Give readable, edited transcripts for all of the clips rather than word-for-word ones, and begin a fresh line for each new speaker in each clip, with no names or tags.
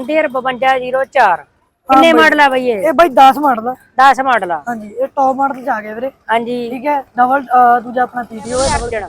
John Deere 5204 ਕਿੰਨੇ model ਆ ਬਈ ਇਹ?
ਇਹ ਬਾਈ 10 ਮਾਡਲ ਆ।
10 ਮਾਡਲ ਆ।
ਹਾਂਜੀ ਇਹ ਟੌਪ ਮਾਡਲ ਚ ਆ ਗਿਆ ਵੀਰੇ।
ਹਾਂਜੀ
ਠੀਕ ਹੈ ਡਬਲ ਦੂਜਾ ਆਪਣਾ ਪੀਟੀਓ ਹੈ ਡਬਲ।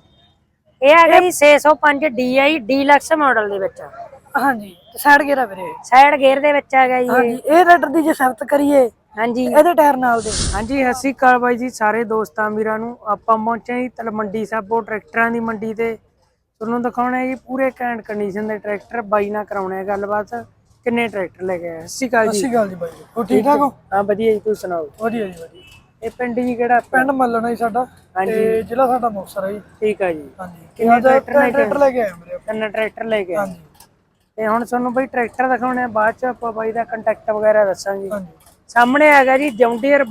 ਇਹ ਆ ਗਿਆ ਜੀ 605 DI ਡੀਲਕਸ ਮਾਡਲ ਦੇ ਵਿੱਚ।
ਹਾਂਜੀ ਸਾਈਡ ਗੇਅਰ ਆ ਵੀਰੇ।
ਸਾਈਡ ਗੇਅਰ ਦੇ ਵਿੱਚ ਆ ਗਿਆ ਜੀ।
ਹਾਂਜੀ ਇਹ ਰੇਡਰ ਦੀ ਜੇ ਸਿਫਤ ਕਰੀਏ
ਹਾਂਜੀ
ਇਹਦੇ ਟਾਇਰ ਨਾਲ ਦੇ।
ਹਾਂਜੀ ਸਤਿ ਸ਼੍ਰੀ ਅਕਾਲ ਬਾਈ ਜੀ ਸਾਰੇ ਦੋਸਤਾਂ ਵੀਰਾਂ ਨੂੰ। ਆਪਾਂ ਪਹੁੰਚੇ ਜੀ ਤਲਮੰਡੀ ਸਾਬੋ ਟਰੈਕਟਰਾਂ ਦੀ ਮੰਡੀ ਤੇ। ਤੁਹਾਨੂੰ ਦਿਖਾਉਣਾ ਹੈ ਜੀ ਪੂਰੇ ਘੈਂਟ ਕੰਡੀਸ਼ਨ ਦੇ ਟਰੈਕਟਰ। ਬਾਈ ਨਾਲ ਕਰਾਉਣੇ ਆ ਗੱਲਬਾਤ। ਕਿੰਨੇ ਟਰੈਕਟਰ ਲੈ ਕੇ ਆਏ? ਸਤਿ ਸ਼੍ਰੀ ਅਕਾਲ ਜੀ।
ਸਤਿ ਸ਼੍ਰੀ ਅਕਾਲ ਜੀ ਬਾਈ ਜੀ। ਹੋ ਠੀਕ ਠਾਕ ਹੋ?
ਹਾਂ ਵਧੀਆ ਜੀ ਤੁਸੀਂ ਸੁਣਾਓ?
ਵਧੀਆ ਜੀ ਵਧੀਆ।
ਇਹ ਪਿੰਡ ਜੀ ਕਿਹੜਾ?
ਪਿੰਡ ਮੱਲਣਾ ਜੀ ਸਾਡਾ ਤੇ ਜ਼ਿਲ੍ਹਾ ਸਾਡਾ ਮੁਕਤਸਰ ਹੈ ਜੀ।
ਠੀਕ ਆ ਜੀ।
ਹਾਂਜੀ
ਕਿੰਨੇ
ਟਰੈਕਟਰ ਲੈ ਕੇ ਆਏ ਮੇਰੇ।
ਤਿੰਨ ਟਰੈਕਟਰ ਲੈ ਕੇ ਆਏ।
ਹਾਂਜੀ
ਤੇ ਹੁਣ ਤੁਹਾਨੂੰ ਬਾਈ ਟਰੈਕਟਰ ਦਿਖਾਉਣੇ ਆ, ਬਾਅਦ ਚ ਆਪਾਂ ਬਾਈ ਦਾ ਕੰਟੈਕਟ ਵਗੈਰਾ ਦੱਸਾਂਗੇ।
ਹਾਂਜੀ
ਸਾਹਮਣੇ ਹੈਗਾ ਜੀ ਜੌਂਡੀਅਰ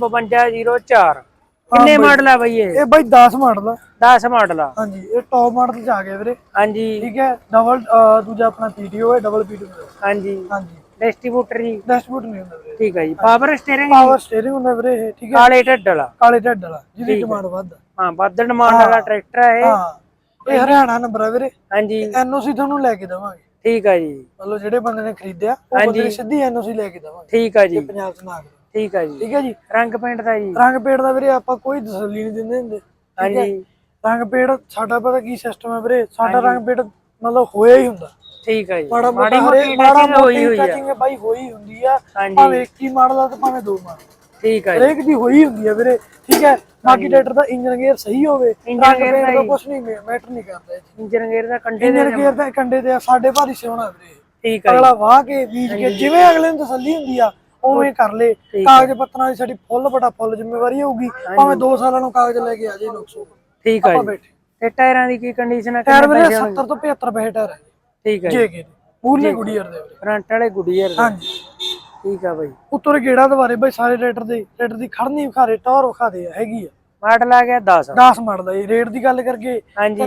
5204। ਕਿੰਨੇ ਮਾਡਲ ਆ ਬਾਈ ਇਹ?
ਇਹ ਬਾਈ 10 ਮਾਡਲ ਆ।
10 ਮਾਡਲ ਆ।
ਹਾਂਜੀ ਇਹ ਟੌਪ ਮਾਡਲ ਚ ਆ ਗਿਆ ਵੀਰੇ।
ਹਾਂਜੀ
ਠੀਕ ਹੈ ਡਬਲ ਦੂਜਾ ਆਪਣਾ ਪੀਟੀਓ ਹੈ ਡਬਲ ਪੀਟੀਓ।
ਹਾਂਜੀ
ਹਾਂਜੀ
ਡਿਸਟ੍ਰੀਬਿਊਟਰ ਜੀ।
ਡੈਸ਼ਬੋਰਡ ਨਹੀਂ ਹੁੰਦਾ ਵੀਰੇ।
ਠੀਕ ਹੈ ਜੀ। ਪਾਵਰ ਸਟੀਅਰਿੰਗ
ਪਾਵਰ ਸਟੀਅਰਿੰਗ ਹੁੰਦਾ ਵੀਰੇ ਇਹ। ਠੀਕ ਹੈ
ਕਾਲੇ ਢੱਡ ਵਾਲਾ।
ਕਾਲੇ ਢੱਡ ਵਾਲਾ ਜਿਹਦੀ ਡਿਮਾਂਡ ਵੱਧ।
ਹਾਂ ਵੱਧ ਡਿਮਾਂਡ ਵਾਲਾ ਟਰੈਕਟਰ ਹੈ ਇਹ।
ਹਾਂ ਇਹ ਹਰਿਆਣਾ ਨੰਬਰ ਆ ਵੀਰੇ।
ਹਾਂਜੀ
ਐਨਓਸੀ ਤੁਹਾਨੂੰ ਲੈ ਕੇ ਦੇਵਾਂਗੇ।
ਠੀਕ ਆ ਜੀ।
ਮਤਲਬ ਜਿਹੜੇ ਬੰਦੇ ਨੇ ਖਰੀਦਿਆ ਉਹ ਬੰਦੇ ਨੂੰ ਸਿੱਧੀ ਐਨਓਸੀ ਲੈ ਕੇ ਦੇਵਾਂਗੇ।
ਠੀਕ ਆ ਜੀ।
ਪੰਜਾਬ ਚ ਨਾ ਆਵੇ।
ਠੀਕ ਆ ਜੀ।
ਠੀਕ ਹੈ ਜੀ।
ਰੰਗ ਪੇਂਟ ਦਾ ਜੀ?
ਰੰਗ ਪੇੜ ਦਾ ਵੀਰੇ ਆਪਾਂ ਕੋਈ ਤਸੱਲੀ ਨਹੀਂ ਦਿੰਦੇ ਹੁੰਦੇ।
ਹਾਂਜੀ
ਰੰਗ ਪੇੜ ਸਾਡਾ ਪਤਾ ਕੀ ਸਿਸਟਮ ਹੈ ਵੀਰੇ। ਸਾਡਾ ਰੰਗ ਪੇੜ ਮਤਲਬ ਹੋਇਆ ਹੀ ਹੁੰਦਾ।
ਠੀਕ ਆ ਜੀ।
ਮਾੜਾ
ਮਾੜੀ
ਮੋਟੀ
ਮੋਟੀ
ਮਾੜਾ
ਹੋਈ ਹੋਈ ਆ।
ਟੱਚਿੰਗ ਬਾਈ ਹੋਈ ਹੁੰਦੀ ਆ।
ਹਾਂਜੀ
ਭਾਵੇਂ 21 ਮਾਡਲ ਆ ਤੇ ਭਾਵੇਂ 2 ਮਾਡਲ।
ਠੀਕ ਆ ਜੀ।
ਹਰੇਕ ਦੀ ਹੋਈ ਹੁੰਦੀ ਆ ਵੀਰੇ। ਠੀਕ ਹੈ ਬਾਕੀ ਟਰੈਕਟਰ ਦਾ ਇੰਜਨ ਗੇਅਰ ਸਹੀ ਹੋਵੇ। ਰੰਗ ਪੇੜ ਦਾ ਕੁਝ ਨਹੀਂ ਮੈਟਰ ਨਹੀਂ ਕਰਦਾ।
ਇੰਜਨ ਗੇਅਰ ਦਾ ਕੰਡੇ
ਇੰਜਨ ਗੇਅਰ ਦਾ ਕੰਡੇ ਤੇ ਸਾਡੇ ਭਾਰੀ ਸਿਉਣਾ ਵੀਰੇ।
ਠੀਕ ਆ
ਅਗਲਾ ਵਾਹ ਕੇ ਬੀਜ ਕੇ ਜਿਵੇਂ ਅਗਲੇ ਨੂੰ ਤਸੱਲੀ ਹੁੰਦੀ ਆ ਉਵੇਂ ਕਰ ਲੇ। ਕਾਗਜ਼ ਪੱਤਰਾਂ ਦੀ ਸਾਡੀ ਫੁੱਲ ਬੜਾ ਫੁੱਲ ਜ਼ਿੰਮੇਵਾਰੀ ਹੋਊਗੀ। ਭਾਵੇਂ 2 ਸਾਲਾਂ ਨੂੰ ਕਾਗਜ਼ ਲੈ ਕੇ ਆ ਜਾਏ ਨੁਕਸ।
ਠੀਕ ਆ ਜੀ। ਤੇ ਟਾਇਰਾਂ ਦੀ ਕੀ ਕੰਡੀਸ਼ਨ ਹੈ?
ਟਾਇਰ ਵੀਰੇ 70 ਤੋਂ 75 ਪੈਸੇ ਟਾਇਰ ਹੈ।
ਠੀਕ ਆ ਜੀ।
ਜੇਕੇ ਪੂਰੇ ਗੁਡੀਅਰ ਦੇ ਵੀਰੇ।
ਫਰੰਟ ਵਾਲੇ ਗੁਡੀਅਰ ਦੇ।
ਹਾਂਜੀ
ਠੀਕ ਆ ਬਾਈ।
ਉੱਤੋਂ ਗੇੜਾ ਦੁਆਰੇ ਬਾਈ ਸਾਰੇ ਟਰੈਕਟਰ ਦੀ ਖੜਨੀ ਵਿਖਾਰੇ ਟੌਰ ਵਿਖਾਦੇ ਆ ਹੈਗੀ ਆ।
ਮਾਡਲ ਆ ਗਿਆ 10।
10 ਮਾਡਲ ਦਾ ਜੀ। ਰੇਟ ਦੀ ਗੱਲ ਕਰਕੇ
ਹਾਂਜੀ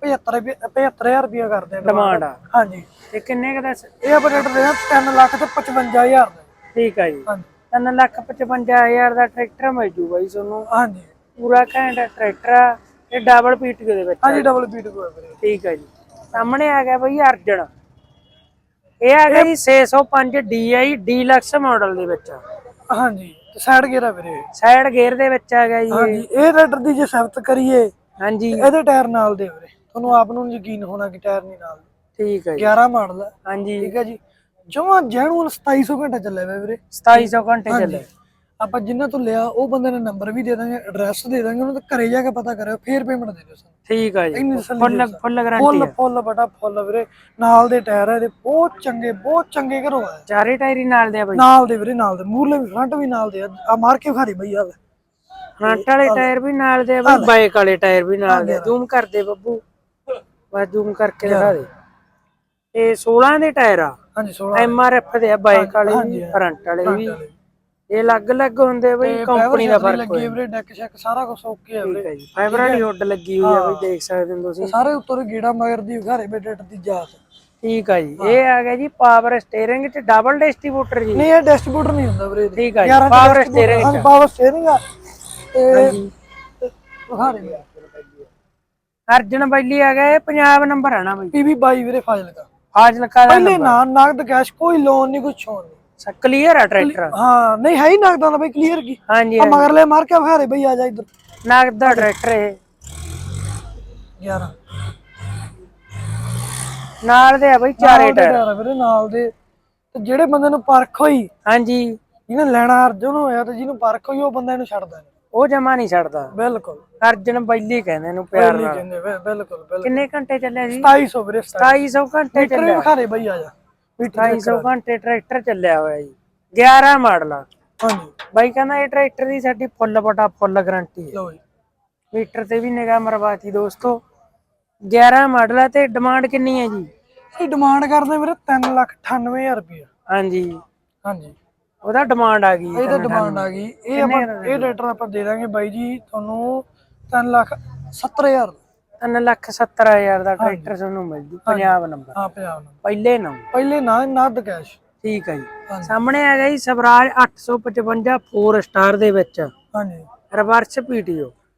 3,75,000 ਰੁਪਇਆ ਕਰਦੇ ਆ
ਡਿਮਾਂਡ ਆ।
ਹਾਂਜੀ
ਤੇ ਕਿੰਨੇ ਕ ਦਾ?
ਇਹ ਆਪਾਂ ਟਰੈਕਟਰ ਦੇ 3,55,000 ਦਾ।
ਠੀਕ ਆ ਜੀ।
ਹਾਂਜੀ
3,55,000 ਦਾ ਟਰੈਕਟਰ ਮਿਲ ਜੂ ਬਾਈ ਤੁਹਾਨੂੰ।
ਹਾਂਜੀ
ਪੂਰਾ ਘੈਂਟ ਟਰੈਕਟਰ ਆ। ਇਹ ਡਬਲ ਪੀਟੀਓ ਦੇ ਵਿੱਚ।
ਹਾਂਜੀ ਡਬਲ ਬੀਟ ਕੋ ਵੀਰੇ।
ਠੀਕ ਆ ਜੀ। ਸਾਹਮਣੇ ਆ ਗਿਆ ਬਈ ਅਰਜਨ। ਇਹ ਆ ਗਿਆ ਜੀ 605 DI ਡੀਲਕਸ ਮਾਡਲ ਦੇ ਵਿੱਚ।
ਹਾਂਜੀ ਸਾਈਡ ਗੇਅਰ ਆ ਵੀਰੇ।
ਸਾਈਡ ਗੇਅਰ ਦੇ ਵਿੱਚ ਆ ਗਿਆ ਜੀ।
ਹਾਂਜੀ ਇਹ ਟਰੈਕਟਰ ਦੀ ਜੇ ਸਿਫਤ ਕਰੀਏ
ਹਾਂਜੀ
ਇਹਦੇ ਟਾਇਰ ਨਾਲ ਦੇ ਵੀਰੇ। ਤੁਹਾਨੂੰ ਆਪ ਨੂੰ ਯਕੀਨ ਹੋਣਾ ਕਿ ਟਾਇਰ ਨਹੀਂ ਨਾਲ।
ਠੀਕ ਹੈ ਜੀ।
11 ਮਾਡਲ ਆ।
ਹਾਂਜੀ
ਠੀਕ ਹੈ ਜੀ। ਜਮਾਂ ਜੈਨੂਅਲ 2700 ਘੰਟਾ ਚੱਲਿਆ ਵੇ ਵੀਰੇ।
2700 ਘੰਟੇ ਚੱਲੇ।
ਆਪਾਂ ਜਿੰਨਾਂ ਤੋਂ ਲਿਆ ਉਹ ਬੰਦੇ ਨੇ ਨੰਬਰ ਵੀ ਦੇ ਦਾਂਗੇ ਐਡਰੈਸ ਦੇ ਦਾਂਗੇ ਉਹਨਾਂ ਦੇ ਘਰੇ ਜਾ ਕੇ ਪਤਾ ਕਰਿਓ ਫੇਰ ਪੇਮੈਂਟ ਦੇ ਦਿਓ ਸਾਨੂੰ।
ਠੀਕ ਆ ਜੀ। ਫੁੱਲ ਗਾਰੰਟੀ
ਫੁੱਲ
ਹੈ।
ਫੁੱਲ ਬਟਾ ਫੁੱਲ ਵੀਰੇ। ਨਾਲ ਦੇ ਟਾਇਰ ਇਹਦੇ ਬਹੁਤ ਚੰਗੇ ਘਰੋਂ ਆਏ।
ਚਾਰੇ ਟਾਇਰ ਹੀ ਨਾਲ ਦੇ ਆ ਬਾਈ?
ਨਾਲ ਦੇ ਵੀਰੇ ਨਾਲ ਦੇ। ਮੂਰਲੇ ਵੀ ਫਰੰਟ ਵੀ ਨਾਲ ਦੇ ਆ ਮਾਰ ਕੇ ਖਾਰੀ ਬਈ ਆ।
ਫਰੰਟ ਵਾਲੇ ਟਾਇਰ ਵੀ ਨਾਲ ਦੇ ਆ ਬਾਈ। ਬਾਈਕ ਵਾਲੇ ਟਾਇਰ ਵੀ ਨਾਲ ਦੇ। ਜ਼ੂਮ ਕਰ ਦੇ ਬੱਬੂ। ਬਸ ਜ਼ੂਮ ਕਰਕੇ ਦਿਖਾ ਦੇ। ਇਹ 16 ਦੇ ਟਾਇਰ ਆ।
ਹਾਂਜੀ 16
MRF ਦੇ ਆ। ਬਾਈਕ ਵਾਲੇ ਵੀ ਫਰੰਟ ਵਾਲੇ ਵੀ। ਇਹ ਅਲੱਗ-ਅਲੱਗ ਹੁੰਦੇ ਬਈ। ਕੰਪਨੀ ਦਾ ਫਰਕ
ਲੱਗੀ ਵੀਰੇ। ਡੈਕ ਸ਼ੈਕ ਸਾਰਾ ਕੁਝ ਓਕੇ ਆ ਵੀਰੇ।
ਠੀਕ ਹੈ ਜੀ। ਫਾਈਬਰ ਵਾਲੀ ਹੁੱਡ ਲੱਗੀ ਹੋਈ ਆ ਬਈ ਦੇਖ ਸਕਦੇ ਹੋ ਤੁਸੀਂ।
ਸਾਰੇ ਉੱਤੋਂ ਗੇੜਾ ਮਗਰ ਦੀ ਘਰੇ ਬੇਟੇ ਦੀ ਜਾਤ।
ਠੀਕ ਆ ਜੀ। ਇਹ ਆ ਗਿਆ ਜੀ ਪਾਵਰ ਸਟੀਅਰਿੰਗ ਚ ਡਬਲ ਡਿਸਟ੍ਰੀਬਿਊਟਰ ਜੀ।
ਨਹੀਂ ਇਹ ਡਿਸਟ੍ਰੀਬਿਊਟਰ ਨਹੀਂ ਹੁੰਦਾ ਵੀਰੇ।
ਠੀਕ ਆ ਜੀ। ਪਾਵਰ ਸਟੀਅਰਿੰਗ
ਹਾਂ ਪਾਵਰ ਸਟੀਅਰਿੰਗ ਆ ਤੇ ਵਿਖਾ ਰਹੇ ਆ।
ਅਰਜਨ ਬੈਲੀ ਆ ਗਿਆ। ਇਹ ਪੰਜਾਬ ਨੰਬਰ ਆ ਨਾ ਬਈ?
PB 22 ਵੀਰੇ ਫਾਜ਼ਿਲਕਾ।
ਫਾਜ਼ਿਲਕਾ ਦਾ
ਪਹਿਲੇ ਨਾ ਨਗਦ ਕੈਸ਼ ਕੋਈ ਲੋਨ ਨਹੀਂ ਕੁਛ ਹੋਣ ਨਹੀਂ।
ਕਲੀਅਰ ਆ ਟਰੈਕਟਰ?
ਹਾਂ ਨਹੀਂ ਹੈ ਹੀ ਨਗਦਾਂ ਦਾ ਬਈ ਕਲੀਅਰ ਕੀ।
ਹਾਂਜੀ
ਮਗਰਲੇ ਮਾਰ ਕੇ ਵਿਖਾ ਰਹੇ ਬਈ ਆ ਜਾ ਇੱਧਰ।
ਨਗਦ ਦਾ ਟਰੈਕਟਰ ਇਹ
11
ਨਾਲ ਦੇ ਆ ਬਈ ਚਾਰੇ ਟਾਇਰ
ਵੀਰੇ ਨਾਲ ਦੇ। ਤੇ ਜਿਹੜੇ ਬੰਦੇ ਨੂੰ ਪਰਖ ਹੋਈ
ਹਾਂਜੀ
ਜਿਹਨੇ ਲੈਣਾ ਅਰਜਨ ਹੋਇਆ ਤੇ ਜਿਹਨੂੰ ਪਰਖ ਹੋਈ ਉਹ ਬੰਦਾ ਇਹਨੂੰ ਛੱਡਦਾ ਨਹੀਂ।
ਉਹ ਜਮਾ ਨਹੀਂ ਛੱਡਦਾ।
ਬਿਲਕੁਲ
ਅਰਜਨ ਬੈਲੀ ਕਹਿੰਦੇ ਇਹਨੂੰ ਪਿਆਰ ਨਾਲ।
ਕਹਿੰਦੇ ਬਿਲਕੁਲ।
ਕਿੰਨੇ ਘੰਟੇ ਚੱਲਿਆ ਜੀ?
2700 ਵੀਰੇ।
2700 ਘੰਟੇ ਚੱਲਿਆ।
ਵਿਖਾ ਰਹੇ ਬਈ ਆ ਜਾ।
2700 ਘੰਟੇ ਟਰੈਕਟਰ ਚੱਲਿਆ ਹੋਇਆ ਜੀ। 11 ਮਾਡਲ ਆ।
ਹਾਂਜੀ
ਬਾਈ ਕਹਿੰਦਾ ਇਹ ਟਰੈਕਟਰ ਦੀ ਸਾਡੀ ਫੁੱਲ ਬਟਾ ਫੁੱਲ ਗਾਰੰਟੀ ਹੈ।
ਲਓ ਜੀ
ਮੀਟਰ ਤੇ ਵੀ ਨਿਗਾਹ ਮਰਵਾਤੀ ਦੋਸਤੋ। 11 ਮਾਡਲ ਆ। ਤੇ ਡਿਮਾਂਡ ਕਿੰਨੀ ਹੈ ਜੀ?
ਇਹ ਡਿਮਾਂਡ ਕਰਦੇ ਵੀਰੇ 3,98,000 ਰੁਪਇਆ।
ਹਾਂਜੀ
ਹਾਂਜੀ
ਉਹਦਾ ਡਿਮਾਂਡ ਆ ਗਈ।
ਇਹ ਤਾਂ ਡਿਮਾਂਡ ਆ ਗਈ। ਇਹ ਆਪਾਂ ਇਹ ਟਰੈਕਟਰ ਆਪਾਂ ਦੇ ਦਾਂਗੇ ਬਾਈ ਜੀ ਤੁਹਾਨੂੰ 3,70,000।
3,70,000 ਦਾ ਟਰੈਕਟਰ ਤੁਹਾਨੂੰ ਮਿਲ ਜੂ। ਪੰਜਾਬ ਨੰਬਰ।
ਹਾਂ ਪੰਜਾਬ ਨੰਬਰ
ਪਹਿਲੇ ਨੰਬਰ।
ਪਹਿਲੇ ਨਾ ਨਗਦ ਕੈਸ਼।
ਠੀਕ ਹੈ ਜੀ। ਸਾਹਮਣੇ ਆ ਗਿਆ ਜੀ ਸਵਰਾਜ 855 4 ਸਟਾਰ ਦੇ ਵਿੱਚ।
ਹਾਂਜੀ
ਰਿਵਰਸ PTO।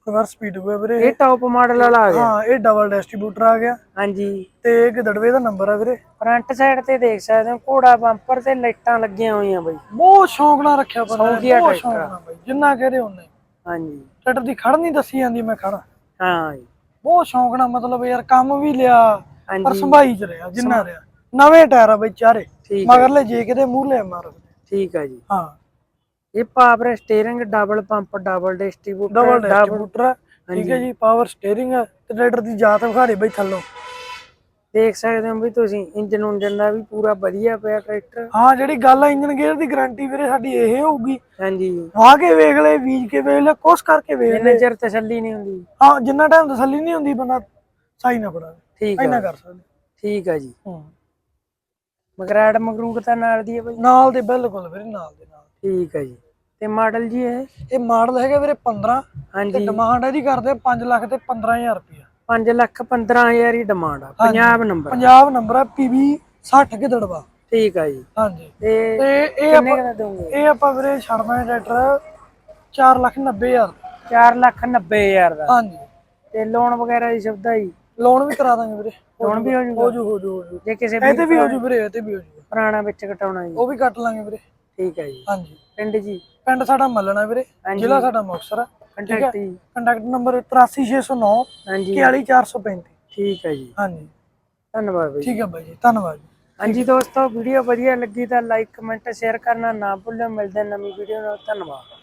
ਰਿਵਰਸ ਸਪੀਡ ਹੋਇਆ ਵੀਰੇ
ਇਹ ਟੌਪ ਮਾਡਲ ਵਾਲਾ ਆ ਗਿਆ।
ਹਾਂ ਇਹ ਡਬਲ ਡਿਸਟ੍ਰੀਬਿਊਟਰ ਆ ਗਿਆ
ਹਾਂਜੀ
ਤੇ ਗਦੜਵੇ ਦਾ ਨੰਬਰ ਆ ਵੀਰੇ।
ਫਰੰਟ ਸਾਈਡ ਤੇ ਦੇਖ ਸਕਦੇ ਹੋ ਘੋੜਾ ਬੰਪਰ ਤੇ ਲਾਈਟਾਂ ਲੱਗੀਆਂ ਹੋਈਆਂ ਬਾਈ।
ਬਹੁਤ ਸ਼ੌਂਕ ਨਾਲ ਰੱਖਿਆ ਬੰਦਾ
ਸ਼ੌਂਕੀਆ
ਬਹੁਤ ਸ਼ੌਂਕ
ਟਰੈਕਟਰ
ਨਾਲ ਬਾਈ ਜਿੰਨਾ ਕਹਦੇ ਉਹਨੇ।
ਹਾਂਜੀ
ਟਰੈਕਟਰ ਦੀ ਖੜ ਨਹੀਂ ਦੱਸੀ ਜਾਂਦੀ ਮੈਂ ਖੜਾ
ਹਾਂ ਜੀ
ਬਹੁਤ ਸ਼ੌਂਕ ਨਾਲ ਮਤਲਬ ਯਾਰ ਕੰਮ ਵੀ ਲਿਆ ਪਰ
ਹਾਂਜੀ
ਸੰਭਾਈ ਚ ਰਿਹਾ ਜਿੰਨਾ ਰਿਹਾ। ਨਵੇਂ ਟਾਇਰ ਆ ਬਈ ਚਾਰੇ
ਠੀਕ ਹੈ
ਮਗਰਲੇ ਜੇ ਕਿਤੇ ਮੂਹਰਲੇ ਮਾਰ
ਠੀਕ ਆ ਜੀ।
ਹਾਂ
ਇਹ power steering double pump double distributor
double distributor ਆ ਠੀਕ ਹੈ ਜੀ ਪਾਵਰ ਸਟੀਅਰਿੰਗ ਆ ਤੇ ਟਰੈਕਟਰ ਦੀ ਜਾਤ ਵਿਖਾੜੇ ਬਈ ਥੱਲੋਂ
ਦੇਖ ਸਕਦੇ ਹੋ ਵੀ ਤੁਸੀਂ ਇੰਜਨ ਉਂਜਨ ਦਾ ਵੀ ਪੂਰਾ ਵਧੀਆ ਪਿਆ ਟਰੈਕਟਰ।
ਹਾਂ ਜਿਹੜੀ ਗੱਲ ਆ ਇੰਜਨ ਗੇਅਰ ਦੀ ਗਾਰੰਟੀ ਵੀਰੇ ਸਾਡੀ ਇਹ ਹੋਊਗੀ
ਹਾਂਜੀ
ਵਾਹ ਕੇ ਵੇਖ ਲੈ ਬੀਜ ਕੇ ਵੇਖ ਲੈ ਕੁਛ ਕਰਕੇ ਵੇਖ
ਜਿੰਨੇ
ਲੈ
ਚਿਰ ਤਸੱਲੀ ਨਹੀਂ ਹੁੰਦੀ।
ਹਾਂ ਜਿੰਨਾ ਟਾਈਮ ਤਸੱਲੀ ਨਹੀਂ ਹੁੰਦੀ ਬੰਦਾ ਸਹੀ ਨਾ ਫੜਾ
ਠੀਕ
ਇੰਨਾ
ਆ
ਕਰ ਸਕਦਾ।
ਠੀਕ ਆ ਜੀ।
ਹੂੰ
ਮਗਰਾਟ ਮਗਰੂਟ ਤਾਂ ਨਾਲ ਦੀ ਹੈ ਬਾਈ।
ਨਾਲ ਦੇ ਬਿਲਕੁਲ ਵੀਰੇ ਨਾਲ ਦੇ ਨਾਲ।
ਠੀਕ ਆ ਜੀ। ਤੇ ਮਾਡਲ ਜੀ
ਇਹ ਮਾਡਲ ਹੈਗਾ ਵੀਰੇ 15 ਤੇ
ਹਾਂਜੀ
ਡਿਮਾਂਡ ਇਹਦੀ ਕਰਦੇ 5 ਲੱਖ ਤੇ 15000 ਰੁਪਇਆ
5,15,000 ਹੀ ਡਿਮਾਂਡ ਆ। ਪੰਜਾਬ ਨੰਬਰ
ਪੰਜਾਬ ਨੰਬਰ ਆ PB 60 ਗਿੱਦੜਵਾ।
ਠੀਕ ਆ ਜੀ।
ਹਾਂਜੀ
ਤੇ
ਤੇ ਇਹ
ਕਿੰਨੇ
ਆਪਾਂ
ਦਾ ਦੋਗੇ?
ਇਹ ਆਪਾਂ ਵੀਰੇ ਛੱਡਣਾ ਟਰੈਕਟਰ 4,90,000
4,90,000 ਦਾ।
ਹਾਂਜੀ
ਤੇ ਲੋਨ ਵਗੈਰਾ ਦੀ ਸੁਵਿਧਾ ਜੀ
ਲੋਨ ਵੀ ਕਰਾ ਦਾਂਗੇ ਵੀਰੇ।
ਲੋਨ ਵੀ ਹੋ
ਹੋ
ਜੂਗਾ
ਜੂ
ਜੇ ਕਿਸੇ
ਇਹ ਤੇ ਵੀ ਹੋ ਜੂ ਵੀਰੇ ਇਹ ਤੇ ਵੀ ਹੋ ਜੂ
ਪੁਰਾਣਾ ਵਿੱਚ ਕਟਾਉਣਾ ਜੀ।
ਉਹ ਵੀ ਕੱਟ ਲਾਂਗੇ ਵੀਰੇ।
ਠੀਕ ਆ ਜੀ।
ਹਾਂਜੀ
ਪਿੰਡ ਜੀ
ਪਿੰਡ ਸਾਡਾ ਮੱਲਣਾ ਵੀਰੇ
ਹਾਂਜੀ।
ਜ਼ਿਲ੍ਹਾ ਸਾਡਾ ਮੁਕਤਸਰ ਆ।
ਕੰਟੈਕਟ ਜੀ
ਕੰਟੈਕਟ ਨੰਬਰ 83609
ਹਾਂਜੀ
41435।
ਠੀਕ ਆ ਜੀ।
ਹਾਂਜੀ
ਧੰਨਵਾਦ ਬਾਈ।
ਠੀਕ ਹੈ ਬਾਈ ਜੀ ਧੰਨਵਾਦ ਜੀ।
ਹਾਂਜੀ ਦੋਸਤੋ ਵੀਡੀਓ ਵਧੀਆ ਲੱਗੀ ਤਾਂ ਲਾਈਕ ਕਮੈਂਟ ਸ਼ੇਅਰ ਕਰਨਾ ਨਾ ਭੁੱਲਿਓ। ਮਿਲਦੇ ਹਾਂ ਨਵੀਂ ਵੀਡੀਓ ਨਾਲ। ਧੰਨਵਾਦ।